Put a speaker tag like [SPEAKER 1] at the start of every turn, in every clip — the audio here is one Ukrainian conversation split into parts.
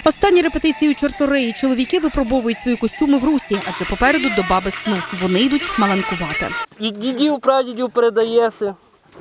[SPEAKER 1] Останні репетиції у Чорториї. Чоловіки випробовують свої костюми в русі, адже попереду доба без сну. Вони йдуть маланкувати.
[SPEAKER 2] Від дідів, прадідів передається.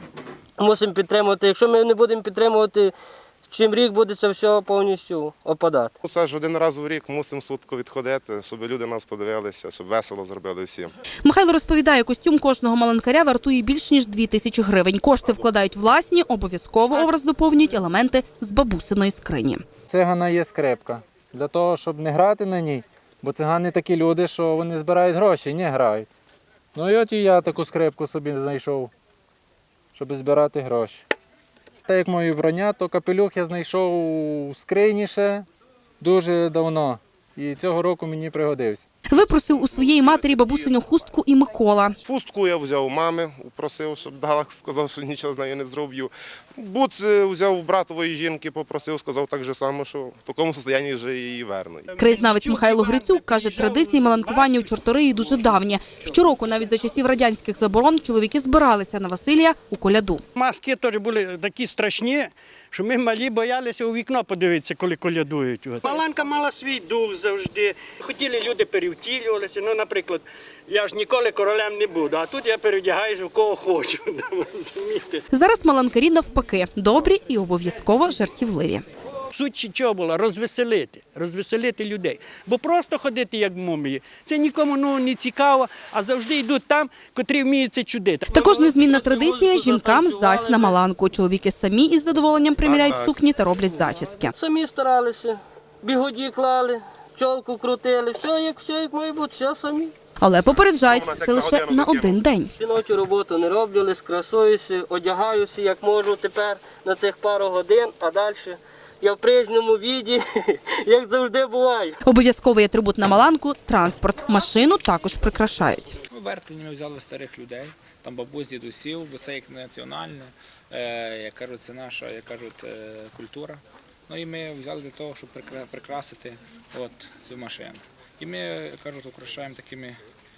[SPEAKER 2] Мусимо підтримувати. Якщо ми не будемо підтримувати, чим рік буде це все повністю опадати.
[SPEAKER 3] Все ж один раз в рік мусимо сутку відходити, щоб люди нас подивилися, щоб весело зробили всім.
[SPEAKER 1] Михайло розповідає, костюм кожного маланкаря вартує більш ніж 2000 гривень. Кошти вкладають власні, обов'язково образ доповнюють елементи з бабусиної скрині.
[SPEAKER 4] Цигана є скрипка. Для того, щоб не грати на ній, бо цигани такі люди, що вони збирають гроші, не грають. Ну і от і я таку скрипку собі знайшов, щоб збирати гроші. Так як моє вбрання, то капелюх я знайшов у скрині ще дуже давно. І цього року мені пригодився.
[SPEAKER 1] Випросив у своєї матері бабусину хустку і Микола.
[SPEAKER 3] Хустку я взяв у мами, просив, щоб дала, сказав, що нічого з нею не зроблю. Буц взяв у братової жінки, попросив, сказав так же само, що в такому стані вже її верну.
[SPEAKER 1] Краєзнавець Михайло Грицюк каже, традиції маланкування у Чорториї дуже давні. Щороку, навіть за часів радянських заборон, чоловіки збиралися на Василія у коляду.
[SPEAKER 5] Маски теж були такі страшні, що ми малі боялися у вікно подивитися, коли колядують. Маланка мала свій дух завжди. Хотіли люди перевтілювалися. Ну, наприклад, я ж ніколи королем не буду, а тут я перевдягаюся в кого хочу. Розумієте?
[SPEAKER 1] Зараз маланкарі навпаки – добрі і обов'язково жартівливі.
[SPEAKER 5] Суть чого була? Розвеселити людей. Бо просто ходити як мумії, це нікому не цікаво, а завжди йдуть там, котрі вміють це чудити.
[SPEAKER 1] Також незмінна традиція – жінкам зась на маланку. Чоловіки самі із задоволенням приміряють сукні та роблять зачіски.
[SPEAKER 2] Самі старалися, бігоді клали, чолку крутили, все як має бути, все самі.
[SPEAKER 1] Але попереджають – це лише на один день.
[SPEAKER 2] Жіночу роботу не роблю, скрасуюся, одягаюся, як можу тепер на цих пару годин, а далі я в прежньому віді, як завжди буває.
[SPEAKER 1] Обов'язковий атрибут на маланку – транспорт. Машину також прикрашають.
[SPEAKER 6] Вертені ми взяли старих людей, там бабусь, дідусів, бо це як національне, як кажуть, це наша, як кажуть, культура. Ну і ми взяли для того, щоб прикрасити от цю машину. І ми, як кажуть, украшаємо такими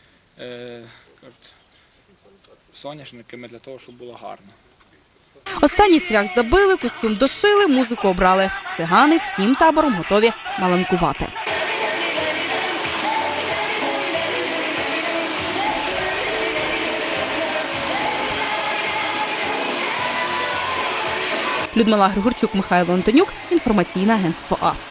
[SPEAKER 6] соняшниками для того, щоб було гарно.
[SPEAKER 1] Останній цвях забили, костюм дошили, музику обрали. Цигани всім табором готові маланкувати. Людмила Григорчук, Михайло Антонюк. Інформаційне агентство АС.